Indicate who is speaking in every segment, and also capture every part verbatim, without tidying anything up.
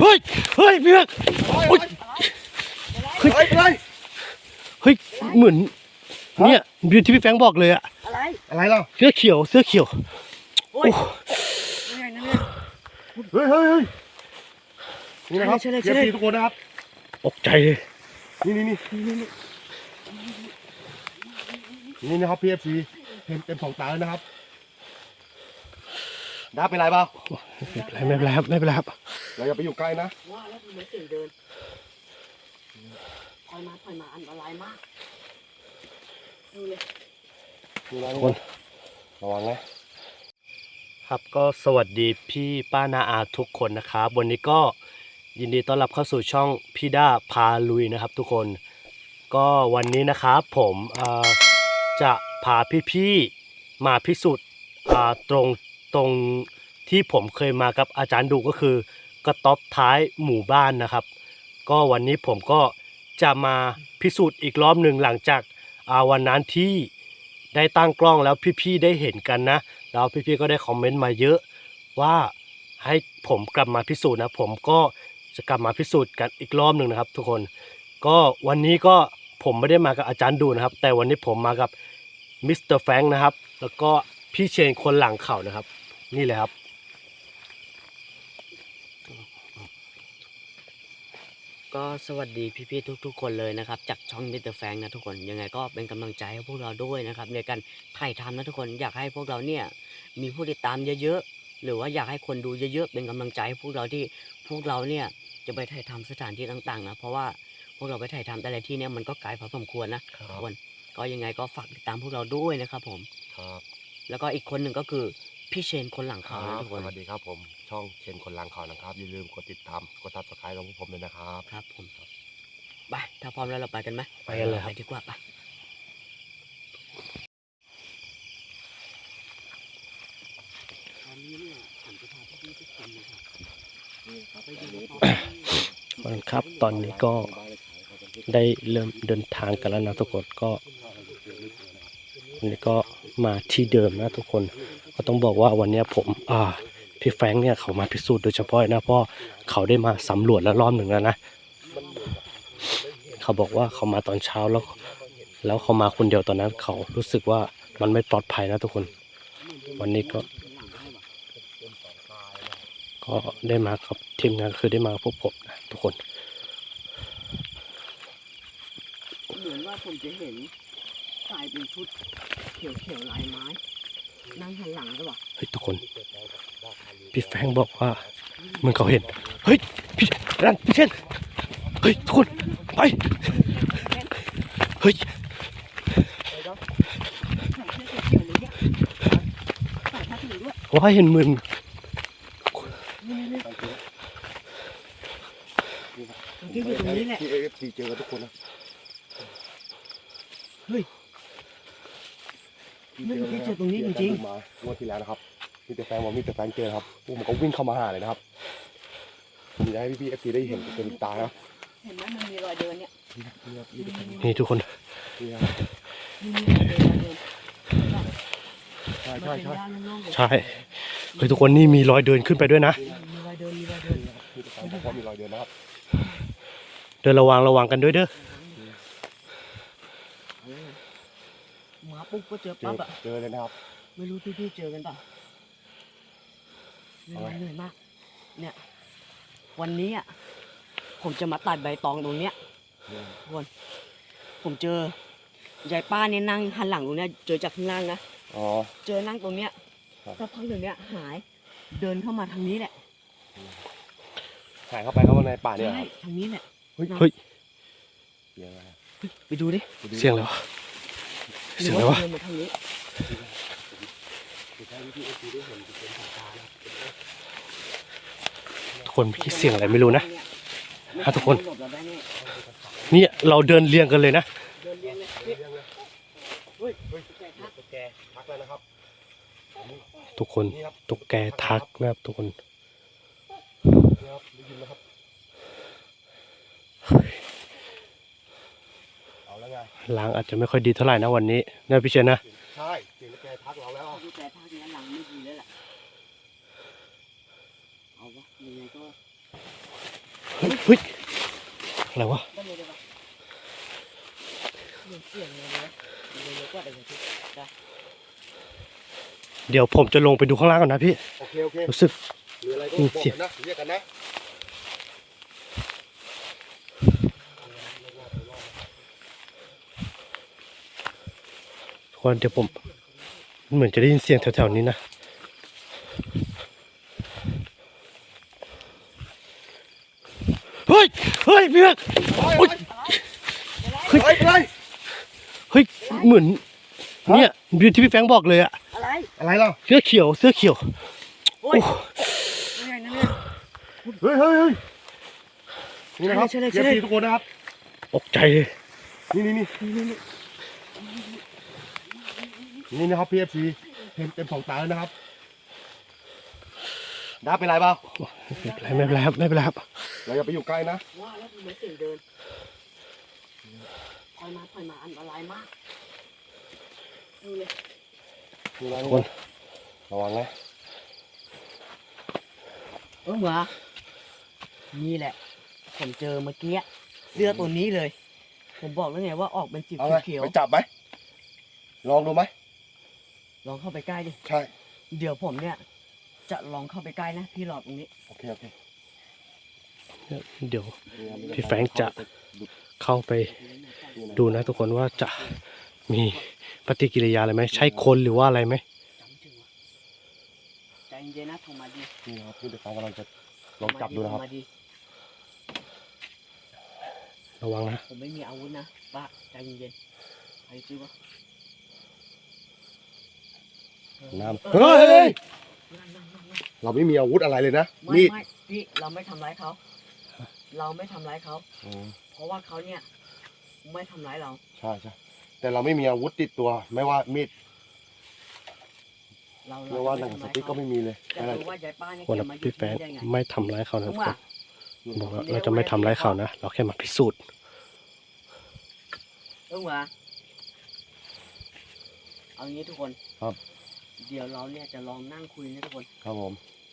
Speaker 1: ฮ้ยเฮ้ยพี่เบิร์กเฮ้ยเฮ้ยเฮ้ยเหมือนเนี่ยที่พี่แฟงบอกเลยอะ
Speaker 2: อะไร
Speaker 3: อะไรล่ะ
Speaker 1: เสื้อเขียวเสื้อเขียว
Speaker 2: โอ้ย
Speaker 3: เฮ้ยเฮ้ยเฮ้ยนี่นะครับเชียร์ทีทุกคนนะครับ
Speaker 1: ตกใจเลย
Speaker 3: นี่นี่นี่นี่นะครับพีเอฟซีเต็มเต็มสองตาเลยนะครับด้าเป็นไรเปล่า
Speaker 1: ไม่เป็นไรไม่เป็นไรครับไม่เป็นไรครับ
Speaker 3: เราอย่าไปอยู่ใกล้นะ
Speaker 2: ว่าแล้วมันเสียงเดินถอยมาถอยมาอันตรายมากดูเลย
Speaker 3: นี่นะทุกคนระวัง
Speaker 1: นะครับก็สวัสดีพี่ป้านาอาทุกคนนะครับวันนี้ก็ยินดีต้อนรับเข้าสู่ช่องพี่ด้าพาลุยนะครับทุกคนก็วันนี้นะครับผมจะพาพี่ๆมาพิสูจน์ตรงตรงที่ผมเคยมากับอาจารย์ดุก็คือกระต๊อบท้ายหมู่บ้านนะครับก็วันนี้ผมก็จะมาพิสูจน์อีกรอบหนึ่งหลังจากวันนั้นที่ได้ตั้งกล้องแล้วพี่ๆได้เห็นกันนะแล้วพี่ๆก็ได้คอมเมนต์มาเยอะว่าให้ผมกลับมาพิสูจน์นะผมก็จะกลับมาพิสูจน์กันอีกรอบหนึ่งนะครับทุกคนก็วันนี้ก็ผมไม่ได้มากับอาจารย์ดูนะครับแต่วันนี้ผมมากับมิสเตอร์แฟรงค์นะครับแล้วก็พี่เชนคนหลังเขานะครับนี่เลยครับ
Speaker 2: ก็สวัสดีพี่ๆทุกๆคนเลยนะครับจากช่องมิสเตอร์แฟรงค์นะทุกคนยังไงก็เป็นกำลังใจให้พวกเราด้วยนะครับในการถ่ายทำนะทุกคนอยากให้พวกเราเนี่ยมีผู้ติดตามเยอะๆหรือว่าอยากให้คนดูเยอะๆเป็นกำลังใจให้พวกเราที่พวกเราเนี่ยจะไปถ่ายทำสถานที่ต่างๆนะเพราะว่าพวกเราไปถ่ายทำแต่ละที่เนี่ยมันก็ไกลพอสมควรนะทุกคนก็ยังไงก็ฝากติดตามพวกเราด้วยนะครับผม
Speaker 3: ครับ
Speaker 2: แล้วก็อีกคนหนึ่งก็คือพี่เชนคนหลังเขาทุกคน
Speaker 3: สวัสดีครับผมช่องเชนคนหลังเขานะครับอย่าลืมกดติดตามกดซับสไครต์ของผมด้วยนะครับ
Speaker 2: ครับผมไปถ้าพร้อมแล้วเราไปกันไหม
Speaker 1: ไปกันเลย
Speaker 2: ไปดีกว่าไป
Speaker 1: ครับตอนนี้ก็ได้เริ่มเดินทางกันแล้วนะทุกคนก็วันนี้ก็มาที่เดิมนะทุกคนก็ต้องบอกว่าวันนี้ผมอ่าพี่แฟรงค์เนี่ยเขามาพิสูจน์โดยเฉพาะนะเพราะเขาได้มาสำรวจแล้วรอบหนึ่งแล้วนะเขาบอกว่าเขามาตอนเช้าแล้วแล้วเขามาคนเดียวตอนนั้นเขารู้สึกว่ามันไม่ปลอดภัยนะทุกคนวันนี้ก็ก็ได้มากับทีมงานคือได้มาพบผมนะทุกคน
Speaker 2: เหมือนว่าผมจะเห็นชายเป็นชุดเขียวๆลายไม้นั่งหันหลังใช่ปะ
Speaker 1: เฮ้ยทุกคนพี่แฟงบอกว่าเหมือนเขาเห็นเฮ้ยพี่รันพี่เช่นเฮ้ยทุกคนไปเฮ้ยว่าเห็นเหมือน
Speaker 2: ที่อยู่ตรงนี้แหละ
Speaker 3: ที่เอฟซีเจอทุกคนนะ
Speaker 2: เฮ้ยไม่ได้เจอตรงนี้จริง
Speaker 3: ๆมางวดที่แล้วนะครับมีแต่แฟนบอกมีแต่แฟนเจอครับพวกมันก็วิ่งเข้ามาหาเลยนะครับผมอยากให้พี่ๆเอฟซีได้เห็นเป็นตานะ
Speaker 2: เห็นไหมมันมีรอยเดินเนี่ย
Speaker 1: นี่ทุกคน
Speaker 3: ใช่ใช่ใช่
Speaker 1: ใช่เฮ้ยทุกคนนี่มีรอยเดินขึ้นไปด้วยนะ
Speaker 2: มีรอยเดินมีรอยเดิน
Speaker 3: เพราะมีรอยเดินนะครับ
Speaker 1: เดินระวังระวังกันด้วยเด้อ
Speaker 2: มาปุ๊บก็เจอปั๊บอะ
Speaker 3: เจอเลยนะครับ
Speaker 2: ไม่รู้พี่ๆเจอกันป่ะเหนื่อยเหนื่อยมากเนี่ยวันนี้อ่ะผมจะมาตัดใบตองตรงเนี้ยทุกคนผมเจอยายป้าเนี่ยนั่งหันหลังตรงเนี้ยเจอจากข้างล่างนะ
Speaker 3: อ๋อ
Speaker 2: เจอนั่งตรงเนี้ยสักพักหนึ่งเนี้ยหายเดินเข้ามาทางนี้แหละ
Speaker 3: หายเข้าไปเข้ามาในป่าเนี่ย
Speaker 2: ใช่ทางนี้แหละ
Speaker 1: เฮ้ย
Speaker 2: ไปดูดิ
Speaker 1: เสียงอะไรวะเสียงอะไรวะทุกคนคิดเสียงอะไรไม่รู้นะฮะทุกคนนี่เราเดินเรียงกันเลยนะทุกคนตุ๊กแกทักนะครับทุกคนล้างอาจจะไม่ค่อยดีเท่าไหร่นะวันนี้นะพี่เชนนะ
Speaker 3: ใช่เสียงตุ๊กแกทักเราแล้ว
Speaker 2: ตุ๊กแกทักเนี่ยหลังไม่ดีแล้วแหละเอาวะยังไงก็
Speaker 1: เฮ้ยเฮ้ยอะไรวะ
Speaker 2: ก็เลยได้ปะเสียงเสียงเลยนะเยอะกว่าเดิมพี่ได้
Speaker 1: เดี๋ยวผมจะลงไปดูข้างล่างก่อนนะพี่
Speaker 3: โอเคโอเค
Speaker 1: รู้สึก
Speaker 3: หรืออะไรก็
Speaker 1: มี
Speaker 3: บอก
Speaker 1: เสียง
Speaker 3: กันนะเรียกกันนะ
Speaker 1: ทุกคนเดี๋ยวผมเหมือนจะได้ยินเสียงแถวๆนี้นะเฮ้ยเฮ้ยพี่เอกโอ๊ย
Speaker 3: เฮ้ยอะไร
Speaker 1: เฮ้ยเหมือนเนี่ยที่พี่แฟรงค์บอกเลยอะ
Speaker 2: อะไร
Speaker 3: อะไรล่ะ
Speaker 1: เสื้อเขียวเสื้อเขียว
Speaker 2: โอ้ยนี่ไงนั่นเนี่ย
Speaker 3: เฮ้ยเฮ้ยเฮ้ยนี่นะครับ
Speaker 2: ใช่เลย
Speaker 3: เอ
Speaker 2: ใช่
Speaker 3: ฟ
Speaker 2: เลย
Speaker 3: ซีทุกคนนะครับ
Speaker 1: ตกใจเลย
Speaker 3: นี่นี่นี่นี่นี่นี่นะครับพี่เอฟซีเต็มเต็มสองตาแล้วนะครับด้าเป็นไรเปล่า
Speaker 1: ไม่เป็นไรไม่เป็นไรครับไม่เป็นไรครับ
Speaker 3: เราอย่าไปอยู่ใกล้นะ
Speaker 2: ว่าแล้วทำไมเสียงเดินถอยมาถอยมาอันตรายมากดูเลย
Speaker 3: นี่นะ
Speaker 1: ทุ
Speaker 3: ทุ
Speaker 1: ก
Speaker 3: ก
Speaker 1: ค
Speaker 3: คน นระวังนะ
Speaker 2: เออวะนี่แหละ ผมเจอเมื่อกี้เสื้อตัวนี้เลย ผมบอกแล้วไงว่าออกเป็นสี
Speaker 3: เอาไง
Speaker 2: เขียว
Speaker 3: ไปจับไหมลองดูไหม
Speaker 2: ๆลองเข้าไปใกล้ดิ
Speaker 3: ใช่
Speaker 2: เดี๋ยวผมเนี่ย จะลองเข้าไปใกล้นะพี่หลอดตรงนี้
Speaker 3: โอเคโอเค
Speaker 1: เดี๋ยว
Speaker 3: นี่นะ
Speaker 1: พี่แฟรงค์จะ เข้าไปดูนะทุกคนว่าจะมีปฏิกิริยาอะไรไหมใช่คนหรือว่าอะไรไหม
Speaker 2: จำถึงวะใจเย็นๆนะโทรมาดี
Speaker 3: นี่นะครับพี่เด็กฟังกำลังจะลองจับดูนะครับ
Speaker 2: โทมาดี
Speaker 1: ระวังนะ
Speaker 2: ผมไม่มีอาวุธนะป้าใจเย็นๆใครซื้อวะ
Speaker 3: น้ำ
Speaker 2: เอ
Speaker 3: เฮ้
Speaker 2: อย นั่งๆๆๆ
Speaker 3: เราไม่มีอาวุธอะไรเลยนะ
Speaker 2: ไม่
Speaker 3: นี่
Speaker 2: ไม่พี่เราไม่ทำร้ายเขา เราไม่ทำร้ายเขา
Speaker 3: อืม
Speaker 2: เพราะว่าเขาเนี่ยไม่ทำร้ายเรา
Speaker 3: ใช่ใช่แต่เราไม่มีอาวุธติดตัว ไม่ว่ามีด
Speaker 2: เรา
Speaker 3: ไม่ว่าหนังสติ๊กก็ไม่มีเลย
Speaker 2: แต่
Speaker 3: อะไร
Speaker 2: รู้ว่ายายป้าเนี่ย
Speaker 1: วัน
Speaker 2: แก
Speaker 1: นั้น
Speaker 2: มาอยู่
Speaker 1: พี่แฟ
Speaker 2: ที่
Speaker 1: รง
Speaker 2: นี่
Speaker 1: ค์
Speaker 2: ได้ไง
Speaker 1: ไม่ทำร้ายเขานะ
Speaker 2: ผ
Speaker 1: ทุ
Speaker 2: ม
Speaker 1: กค
Speaker 2: ว่าน
Speaker 1: บอกว่าเราจะไม่ทำร้ายเขานะเราแค่มาพิสูจน์
Speaker 2: เออว่าเอางี้ทุกคน
Speaker 3: ครับ
Speaker 2: เดี๋ยวเราเนี่ยจะลองนั่งคุยนะทุกคน
Speaker 3: ครับผม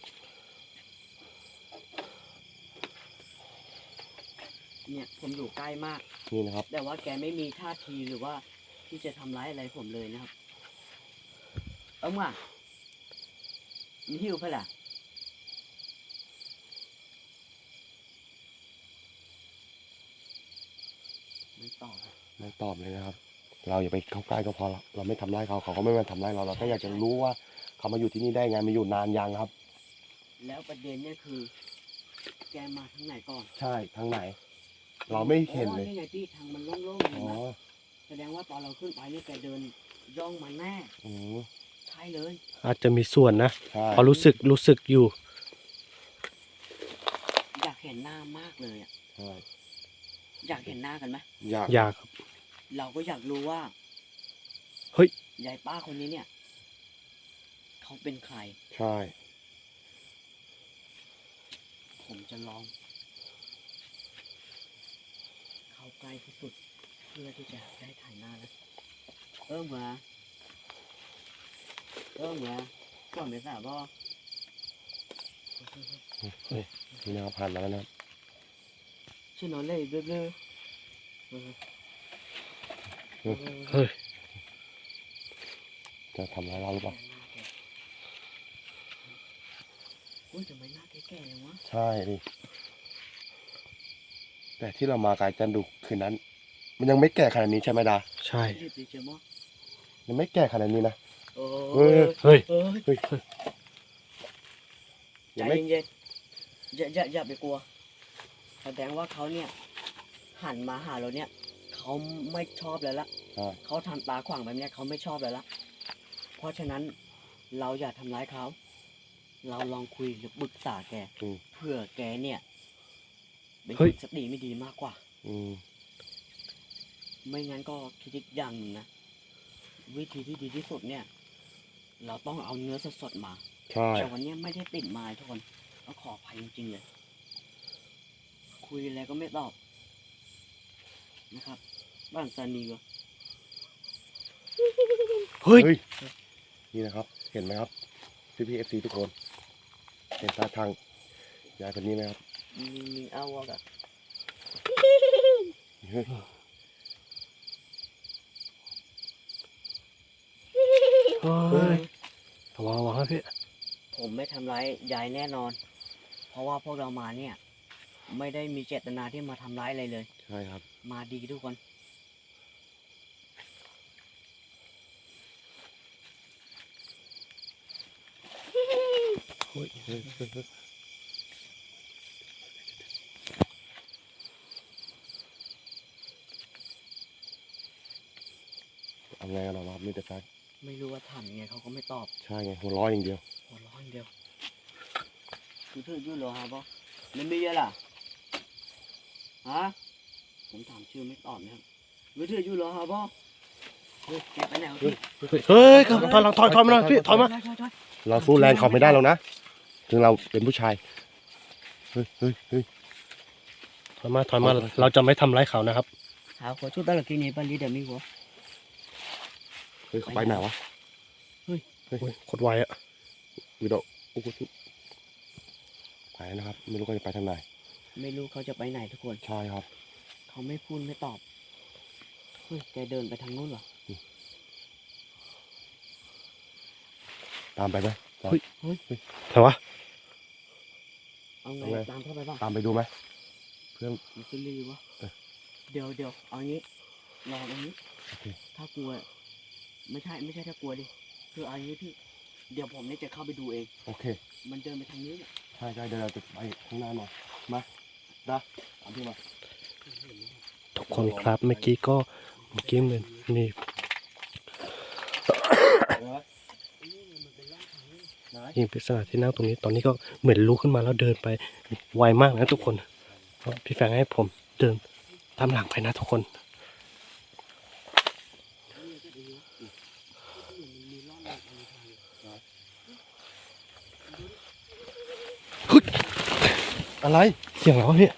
Speaker 2: เนี่ยผมอยู่ใกล้มาก
Speaker 3: นี่นะครับ
Speaker 2: แต่ว่าแกไม่มีท่าทีหรือว่าที่จะทำร้ายอะไรผมเลยนะครับ เออว่ามีหิวเพื่อล่ะไม่ตอบ
Speaker 3: ไม่ตอบเลยนะครับ เราอย่าไปเข้าใกล้ก็พอละเราไม่ทำร้ายเขาเขาก็ไม่มาทำร้ายเราเราแค่อยากจะรู้ว่าเขามาอยู่ที่นี่ได้ไงมาอยู่นานยังครับ
Speaker 2: แล้วประเด็นเนี่ยคือ แกมาทางไหนก่อน
Speaker 3: ใช่ทางไหน เราไม่เห็นเลย
Speaker 2: อ๋อนี่ไงพี่ทางมันโล่งๆเลย
Speaker 3: อ๋อ
Speaker 2: นะแสดงว่าตอนเราขึ้นไปเนี่ยแกเดินย่องมาแน่
Speaker 3: อืม
Speaker 2: ใช่เลย
Speaker 1: อาจจะมีส่วนนะ
Speaker 3: ใช่
Speaker 1: เพราะรู้สึกรู้สึกอยู่
Speaker 2: อยากเห็นหน้ามากเลยอ่ะ
Speaker 3: ใช่
Speaker 2: อยากเห็นหน้ากันไหม
Speaker 3: อยาก
Speaker 1: อยากครับ
Speaker 2: เราก็อยากรู้ว่า
Speaker 1: เฮ้ย
Speaker 2: ยายป้าคนนี้เนี่ย เขาเป็นใคร
Speaker 3: ใช่
Speaker 2: ผมจะลอง เข้าใกล้ที่สุด เพื่อที่จะได้ถ่ายหน้านะเออเหมือเออเหมือก่อนไปสาบอ
Speaker 3: นี่นะครับผ่านมาแล้วนะครับ
Speaker 2: ชื่อนอนเลยเรื่อยๆเออเออ
Speaker 1: เฮ้ย
Speaker 3: จะทำร้ายเราหรือเปล่า
Speaker 2: อุ้ยทำไมหน้าแก่ๆเลยวะ
Speaker 3: ใช่ดิแต่ที่เรามากายจันดุคืนนั้น มันยังไม่แก่ขนาดนี้ใช่ไหมดา
Speaker 1: ใช่
Speaker 2: รีบไปเจอหมอ
Speaker 3: ยังไม่แก่ขนาดนี้นะ
Speaker 2: โอ้
Speaker 3: เฮ้ย
Speaker 1: เฮ้ย
Speaker 2: เฮ้ย
Speaker 3: เฮ้ย
Speaker 2: ใจ
Speaker 3: ยังไม่
Speaker 2: เย็นๆอย่าอย่าอย่าไปกลัว แสดงว่าเขาเนี่ย หันมาหาเราเนี่ย เขาไม่ชอบแล้วละ
Speaker 3: ใช่
Speaker 2: เขาทำตาขวางแบบเนี้ยเขาไม่ชอบแล้วละเพราะฉะนั้นเราอย่าทำร้ายเขา เราลองคุยหรือปรึกษาแก
Speaker 3: อืม
Speaker 2: เพื่อแกเนี่ยเป็น
Speaker 1: เฮ้
Speaker 2: ค
Speaker 1: ย
Speaker 2: นสติไม่ดีมากกว่า
Speaker 3: อืม
Speaker 2: ไม่งั้นก็คิดอีกอย่างหนึ่งนะ วิธีที่ดีที่สุดเนี่ย เราต้องเอาเนื้อสดๆมา
Speaker 3: ใช่
Speaker 2: แต่วันเนี้ยไม่ได้ติดไมาทุกคนต้องขออภัยจริงๆเลย คุยอะไรก็ไม่ตอบนะครับ บ้านซานีวะ
Speaker 1: เฮ้ย
Speaker 3: เฮ้ยนี่นะครับ เห็นไหมครับพี่พีเอฟซีทุกคน เห็นท่าทางยายคนนี้ไหมครับ
Speaker 2: เมีมีเอาวอกอะ
Speaker 3: เฮ้ย
Speaker 1: เฮ้ยระวังระวังนะพี่
Speaker 2: ผมไม่ทำร้ายยายแน่นอน เพราะว่าพวกเรามาเนี่ย ไม่ได้มีเจตนาที่มาทำร้ายอะไรเลย
Speaker 3: ใช่ครับ
Speaker 2: มาดีทุกคน
Speaker 3: เฮ้ยเฮ้ยเฮ้ยเฮ้ยเอาไงกันหรอครับมิสเตอร์แฟรงค์
Speaker 2: ไม่รู้ว่าถามยังไงเขาก็ไม่ตอบ
Speaker 3: ใช่ไงหัวเร้อยอย่างเดียว
Speaker 2: หัวเร้อนเดียวคือเธอยุ่งเหรอฮะบอไม่มีอะไรล่ะฮะผมถามชื่อไม่ตอบนะครับไม่เธอยุ่งเหรอฮะบอเฮ้ยแกไปไหนวะพี่
Speaker 1: เฮ้ยถอยหลังถอยถอยมาหน่อยพี่ถอยมา
Speaker 2: ถอยถอย
Speaker 3: เราสู้แรงเขาไม่ได้หรอกนะ ถึงเราเป็นผู้ชาย เฮ้ยเฮ้ยเฮ้ย
Speaker 1: ถอยมาถอยมาเราจะไม่ทำร้ายเขานะครับ
Speaker 2: ถามขอชุดตะลักกินนี่ปาลีเดี๋ยวมีหัว
Speaker 3: เฮ้ยเขาไปไหนวะ
Speaker 1: โอ้ยโคตรไวอะ
Speaker 3: วิดีโอโอ้โหไปนะครับ ไม่รู้เขาจะไปทางไหน
Speaker 2: ไม่รู้เขาจะไปไหนทุกคน
Speaker 3: ใช่ครับ
Speaker 2: เขาไม่พูดไม่ตอบเฮ้ยแกเดินไปทางนู้นเหรอ
Speaker 3: ตามไปไหม
Speaker 1: เฮ้ย
Speaker 2: เฮ้ย
Speaker 1: แต่วะ
Speaker 2: เอาไง
Speaker 3: เอาไง
Speaker 2: ตามเข้าไปบ้าง
Speaker 3: ตามไปดูไหมเพื่อน
Speaker 2: มันจะรีวะ
Speaker 3: เออ
Speaker 2: เดี๋ยวเดี๋ยวเอางี้รอตรงนี้
Speaker 3: โอเค
Speaker 2: ถ้ากลัว ไม่ใช่ไม่ใช่ถ้ากลัวดิ คือเอางี้พี่ เดี๋ยวผมเนี่ยจะเข้าไปดูเอง
Speaker 3: โอเค
Speaker 2: มันเดินไปทางนี้เนี่ย
Speaker 3: ใช่ใช่เดี๋ยวเราจะไปข้างหน้าหน่อยมาได้ตามพี่มา
Speaker 1: ทุกคนครับเมื่อกี้ก็เมื่อกี้มันมี
Speaker 3: ไหน
Speaker 1: หญิงปริศนาที่นั่งตรงนี้ตอนนี้ก็เหมือนลุกขึ้นมาแล้วเดินไปไวมากนะทุกคนพี่แฟงให้ผมเดินตามหลังไปนะทุกคน
Speaker 3: อะไร
Speaker 1: เสียงอะไรวะพี่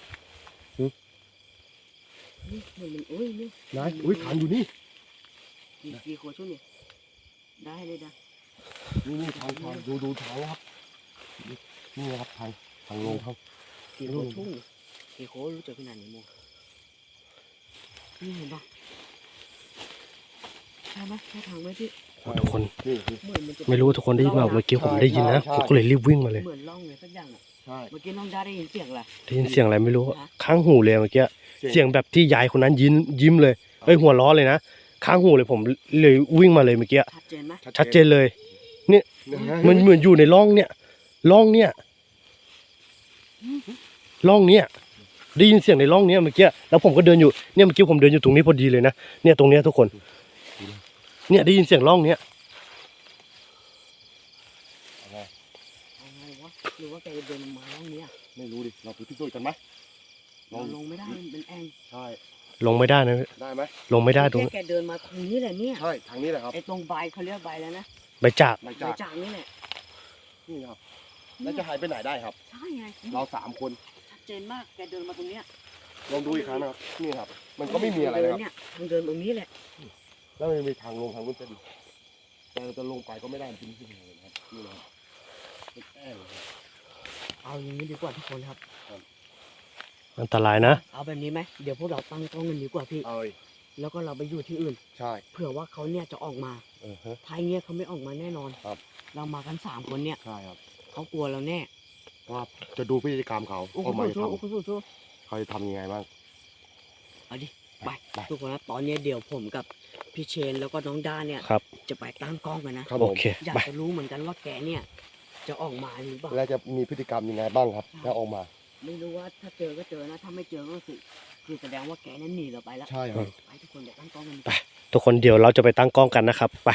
Speaker 2: นี่เหมือนมันโอ้ยนี่
Speaker 3: ไหนอุ้ยทางอยู่นี่
Speaker 2: กี่กี่ขวดช่วยเนี่ยได้เลยนะ
Speaker 3: นี่นี่ทางทางดูดูทางนะครับนี่นี่นะครับทางทางลงทาง
Speaker 2: กี่ขวดช่วยกี่ขวดรู้จักขนาดไหนโมนี่เห็นปะใช่ไหมใช่ทางไหมพี่
Speaker 1: โอ้ทุกคน
Speaker 3: นี่นี่
Speaker 2: เหมือนมันจะ
Speaker 1: ไม่รู้ว่าทุกคนได้ยินเปล่าเมื่อกี้ผมได้ยินนะผมก็เลยรีบวิ่งมาเลย
Speaker 2: เหมือนร่องเลยสักอย่างอ่ะ
Speaker 3: ใช่
Speaker 2: เมื่อกี้น้องด้าได้ยินเสียงอะไร
Speaker 1: ได้ยินเสียงอะไรไม่รู้อะข้างหูเลยเมื่อกี้เสียงแบบที่ยายคนนั้นยิ้มยิ้มเลยเอ้ยหัวล้อเลยนะข้างหูเลยผมเลยวิ่งมาเลยเมื่อกี้
Speaker 2: ชัดเจนไหม
Speaker 1: ชัดเจนเลย
Speaker 3: เนี่ย
Speaker 1: มันเหมือนอยู่ในร่องเนี่ยร่องเนี่ยร่องเนี่ยได้ยินเสียงในร่องเนี้ยเมื่อกี้แล้วผมก็เดินอยู่เนี่ยเมื่อกี้ผมเดินอยู่ตรงนี้พอดีเลยนะเนี่ยตรงเนี้ยทุกคน เนี่ยได้ยินเสียงร่องเนี้ย
Speaker 2: เอาไงวะหรือว่าแกจะเดินมาร่องเนี้ย
Speaker 3: ไม่รู้ดิเราไปพิสูจน์กันไหม
Speaker 2: เราลงไม่ได้มันเป็นแอ่ง
Speaker 3: ใช่
Speaker 1: ลงไม่ได้นะ
Speaker 3: ได้ไหม
Speaker 1: ลงไม่ได้ตรง
Speaker 2: แค่แกเดินมาตรงนี้แหละเนี่ย
Speaker 3: ใช่ทางนี้แหละครับ
Speaker 2: ไอ้ตรงใบเขาเรียกใบแล้วนะ
Speaker 1: ใบจาก
Speaker 3: หลัง
Speaker 2: ใบ
Speaker 3: จาก
Speaker 2: จากนี่แหละ
Speaker 3: นี่ครับแล้วจะหายไปไหนได้ครับ
Speaker 2: ใช่ไง
Speaker 3: เราสามคน
Speaker 2: ชัดเจนมากแกเดินมาตรงเนี้ย
Speaker 3: ลองดูอีกครั้งนะครับนี่ครับ มันก็ไม่มีอะไรนะครับ
Speaker 2: เนี่ยทางเดินตรงนี้แหละ
Speaker 3: แล้วมันมีทางลงทางนู้นจะดีแต่เราจะลงไปก็ไม่ได้จริงๆเลยนะครับนี่นะครับเป็นแอ่งเลยครับ
Speaker 2: เอาอย่างนี้ดีกว่าทุกคนครับ
Speaker 1: อันตรายนะ
Speaker 2: เอาแบบนี้ไหมเดี๋ยวพวกเราตั้งกล้องกันดีกว่าพี่
Speaker 3: เอ้ย
Speaker 2: แล้วก็เราไปอยู่ที่อื่น
Speaker 3: ใช่
Speaker 2: เผื่อว่าเขาเนี่ยจะออกมา
Speaker 3: เออฮะ
Speaker 2: ท้ายเงี้ยเขาไม่ออกมาแน่นอน
Speaker 3: ครับ
Speaker 2: เรามากันสามคนเนี่ย
Speaker 3: ใช่ครับ
Speaker 2: เขากลัวเราแน่
Speaker 3: ว่าจะดูพฤติกรรมเขา
Speaker 2: โอ้โห
Speaker 3: เขามาจะ
Speaker 2: สู้
Speaker 3: ท
Speaker 2: โอ้โหสู้สู้
Speaker 3: ำเขาจะทำยังไงบ้าง
Speaker 2: เอาดิไป
Speaker 3: ไป
Speaker 2: ทุกคนครับตอนนี้เดี๋ยวผมกับพี่เชนแล้วก็น้องด้าเนี่ย
Speaker 1: ครับ
Speaker 2: จะไปตั้งกล้องกันนะ
Speaker 3: ครับ
Speaker 1: โอ
Speaker 3: ผม
Speaker 1: เค
Speaker 2: อยาก
Speaker 1: ไป
Speaker 2: จะรู้เหมือนกันว่าแกเนี่ย จะออกมาหรือเปล่า
Speaker 3: แล้วจะมีพฤติกรรมยังไงบ้างครับถ้าออกมา
Speaker 2: ไม่รู้ว่าถ้าเจอก็เจอนะ ถ้าไม่เจอก็คือคือแสดงว่าแกนั้นหนีเราไปแล้ว
Speaker 3: ใช่ครับ
Speaker 2: ไปทุกคนเดี๋ยวตั้งกล้องกันดีก
Speaker 1: ไป
Speaker 2: ว่า
Speaker 1: ทุกคนเดี๋ยวเราจะไปตั้งกล้องกันนะครับไป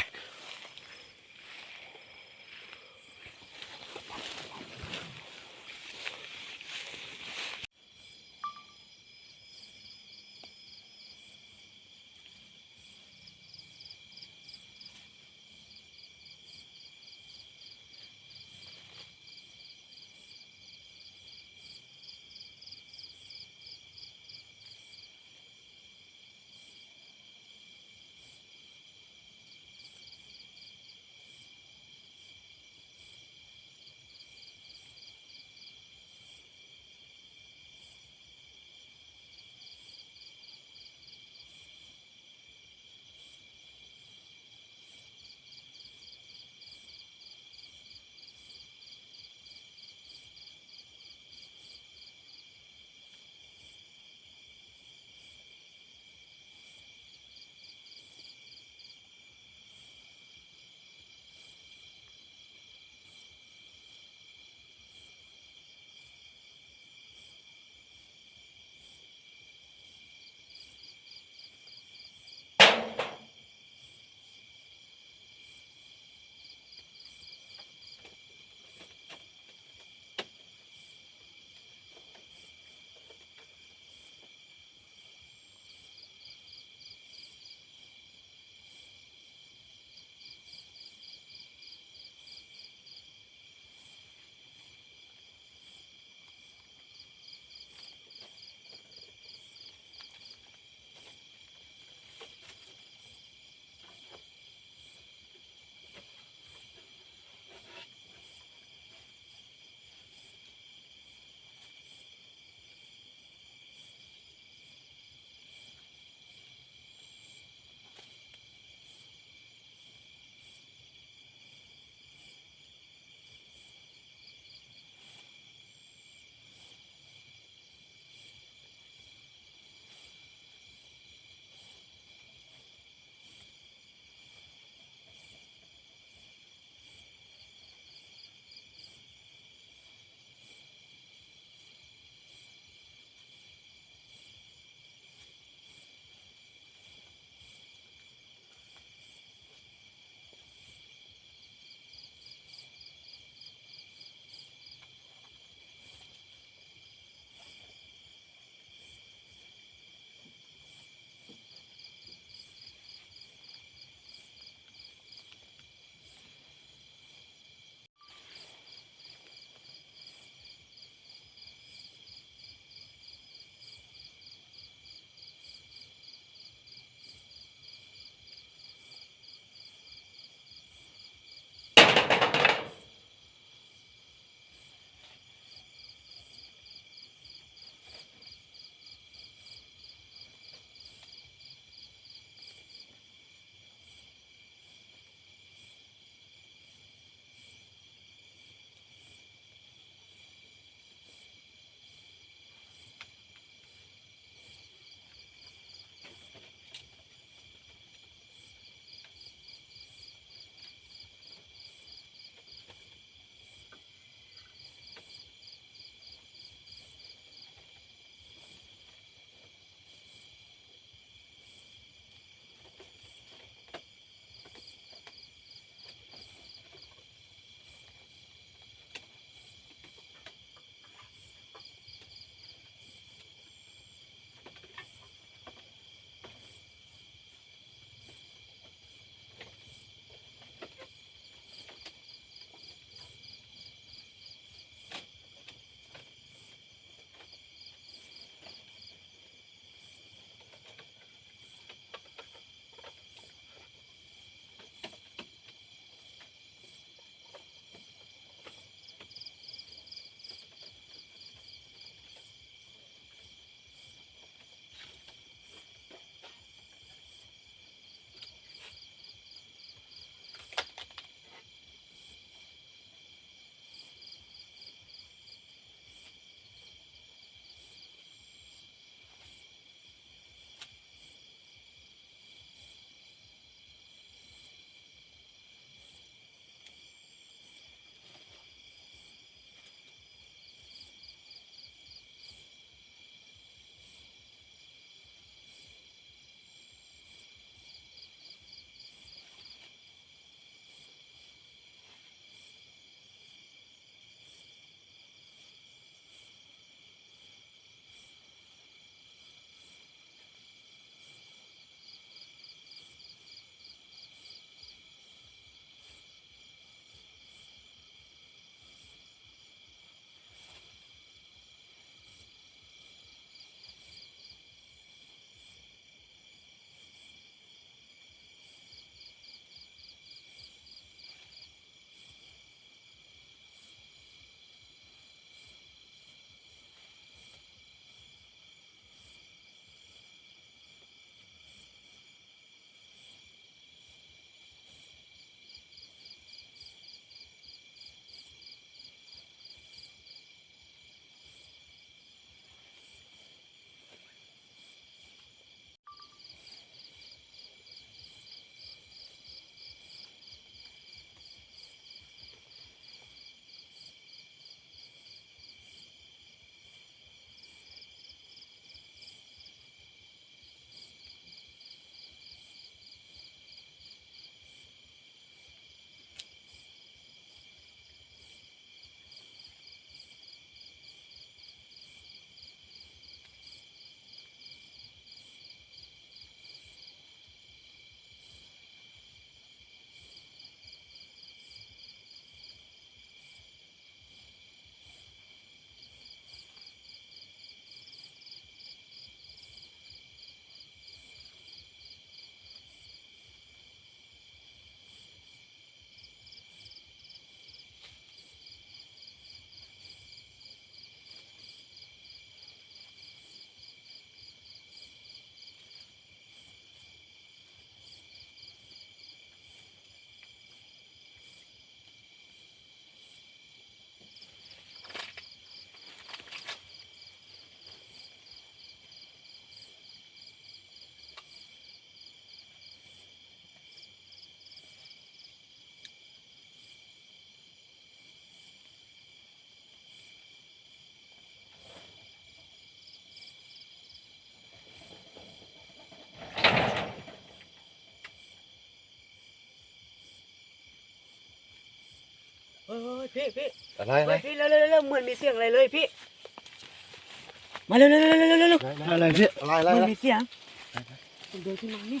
Speaker 2: พี่พี่
Speaker 3: อะไรอะไร
Speaker 2: เฮ้ยพี่เร็วเร็วเร็วเหมือนมีเสียงอะไรเลยพี่มาเร็วเร็วเร็วเร็วเร็วเร็ว
Speaker 1: อะไรพี่
Speaker 3: อะไรอะไร
Speaker 2: เหมือ
Speaker 3: อะไร
Speaker 2: นมีเสียงผมเดินขึ้นมานี่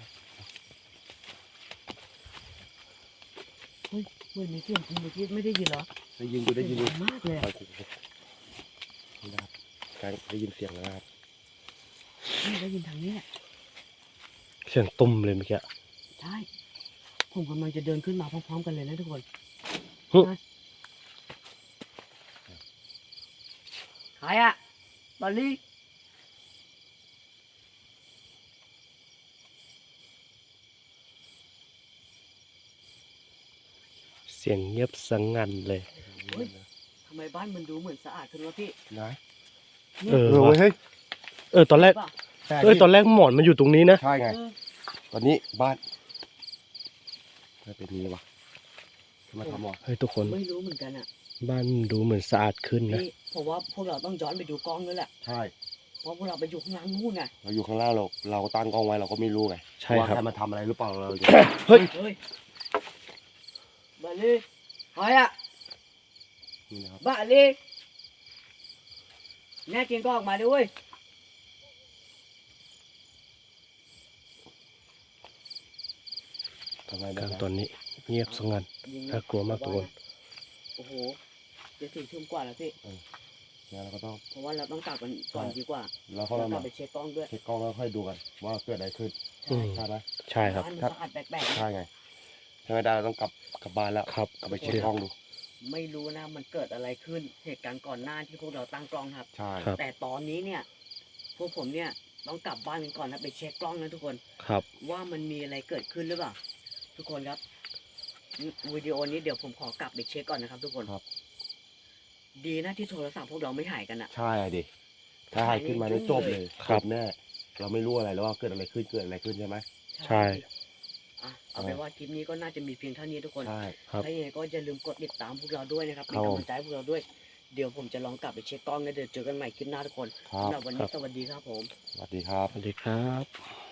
Speaker 2: เฮ้ยเหมือนมีเสียงจริงเมื่อกี้ไม่ได้ยินเหรอ
Speaker 3: ได้ยินอยู่ได้ยินอยู่
Speaker 2: เสีงดังมากเลยอะ
Speaker 3: นี่นะครับการได้ยินเสียงแล้วนะครับ
Speaker 2: นี่ได้ยินทางนี้แหละ
Speaker 1: เสียงตุ้มเลยเมื่อกี้
Speaker 2: ใช่ผมกำลังจะเดินขึ้นมาพร้อมๆกันเลยนะทุกคน
Speaker 1: ฮึ
Speaker 2: นะใครอะบอลลี่
Speaker 1: เสียงเงียบสงันเลย
Speaker 2: เฮ้ยทำไมบ้านมันดูเหมือนสะอาดขึ้นวะพี่
Speaker 3: นะ
Speaker 1: เออ
Speaker 3: เออ
Speaker 1: ว่ะ
Speaker 3: เฮ้ย
Speaker 1: เออตอนแรก
Speaker 2: ใช่ปะ
Speaker 3: ใช่
Speaker 1: เอ้ยตอนแรกหมอนมันอยู่ตรงนี้นะ
Speaker 3: ใช่ไง
Speaker 2: เออ
Speaker 3: ตอนนี้บ้านไม่เป็นนี้วะมาทำหรอ
Speaker 1: เฮ้ยทุกคน
Speaker 2: ไม่รู้เหมือนกันอะ
Speaker 1: บ้านดูเหมือนสะอาดขึ้นนะ
Speaker 2: พี่ผมว่าพวกเราต้องย้อนไปดูกล้องด้วยแหละ
Speaker 3: ใช่
Speaker 2: เพราะพวกเราไปอยู่ข้างล่างนู่นไง
Speaker 3: เราอยู่ข้างล่างเราเราตั้งกล้องไว้เราก็ไม่รู้ไง
Speaker 1: ใช่
Speaker 3: ว่า
Speaker 1: ครับ
Speaker 3: ใครมาทำอะไรหรือเปล่าเราจะ
Speaker 1: เฮ้ย
Speaker 2: เฮ้ยบาลีใครอะ
Speaker 3: นี่นะครับ
Speaker 2: บาลีแน่จริงก็ออกมาด้วย
Speaker 3: ทำไม
Speaker 1: ก
Speaker 3: ได้
Speaker 1: ลาง
Speaker 3: นะ
Speaker 1: ตอนนี้เงียบสงัน
Speaker 2: ยิง
Speaker 1: น่ากลัวมากทุกคน
Speaker 2: โอ้โหจะสี่ทุ่มกว่าแล้วพี่
Speaker 3: งั้นเราก็ต้อง
Speaker 2: เพราะว่าเราต้องกลับกันก่อนดีกว่า
Speaker 3: เราก็
Speaker 2: เรา
Speaker 3: ต้อง
Speaker 2: กลั
Speaker 3: มา
Speaker 2: บไปเช็คกล้องด้วย
Speaker 3: เช็คกล้องแล้วค่อยดูกันว่าเกิดอะไรขึ้น
Speaker 1: อืม
Speaker 3: ใช่ไหม
Speaker 1: ใช่ครับ
Speaker 2: บ้านมันสะอาดแปลกๆ
Speaker 3: ใช่
Speaker 2: นะ
Speaker 3: ไงถ้าไม่ได้เราต้องกลับกลับบ้านแล้ว
Speaker 1: ครับ
Speaker 3: กลับไปเช็คกล้องดู
Speaker 2: ไม่รู้นะมันเกิดอะไรขึ้นเหตุการณ์ก่อนหน้าที่พวกเราตั้งกล้องครับ
Speaker 3: ใช่
Speaker 1: ครับ
Speaker 2: แต่ตอนนี้เนี่ย พวกผมเนี่ยต้องกลับบ้านกันก่อนนะไปเช็คกล้องนะทุกคน
Speaker 1: ครับ
Speaker 2: ว่ามันมีอะไรเกิดขึ้นหรือเปล่า ทุกคนครับวิดีโอนี้เดี๋ยวผมขอกลับไปเช็คก่อนนะครับ ทุกคน
Speaker 3: ครับ
Speaker 2: ดีนะที่โทรศัพท์พวกเราไม่หายกันอะ
Speaker 3: ใช่ดิถ้าหายขึ้นมาได้จบเลย
Speaker 1: ครับ
Speaker 3: จแน่เราไม่รู้อะไรแล้วว่าเกิดอะไรขึ้นเกิดอะไรขึ้นใช่ไหม
Speaker 1: ใช่
Speaker 2: อ่ะเอาเป็นว่าคลิปนี้ก็น่าจะมีเพียงเท่านี้ทุกคน
Speaker 3: ใช่
Speaker 1: ครับ
Speaker 2: ถ้าอย่างไรก็อย่าลืมกดติดตามพวกเราด้วยนะครับเป็น
Speaker 3: ครับ
Speaker 2: กำลังใจให้พวกเราด้วย เดี๋ยวผมจะลองกลับไปเช็คกล้องนะเดี๋ยวเจอกันใหม่คลิปหน้าทุกคน
Speaker 3: ครับ
Speaker 2: สำหรับวันนี้สวัสดีครับผม
Speaker 3: สวัสดีครับ
Speaker 1: สวัสดีครับ